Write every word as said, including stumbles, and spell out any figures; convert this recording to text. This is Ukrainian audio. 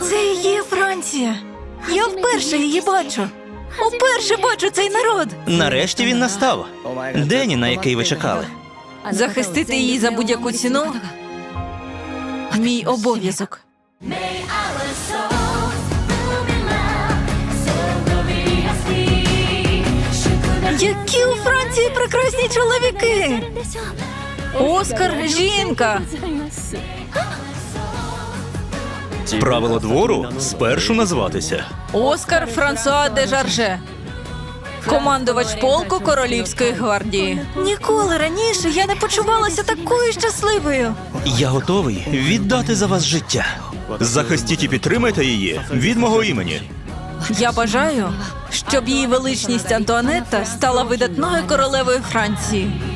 Це і є Франція. Я вперше її бачу. Уперше бачу цей народ. Нарешті він настав. День, на який ви чекали. Захистити її за будь-яку ціну – мій обов'язок. Які у Франції прекрасні чоловіки! Оскар – жінка! Правило двору – спершу назватися. Оскар Франсуа де Жарже, командувач полку Королівської гвардії. Ніколи раніше я не почувалася такою щасливою. Я готовий віддати за вас життя. Захистіть і підтримайте її від мого імені. Я бажаю, щоб її величність Антуанетта стала видатною королевою Франції.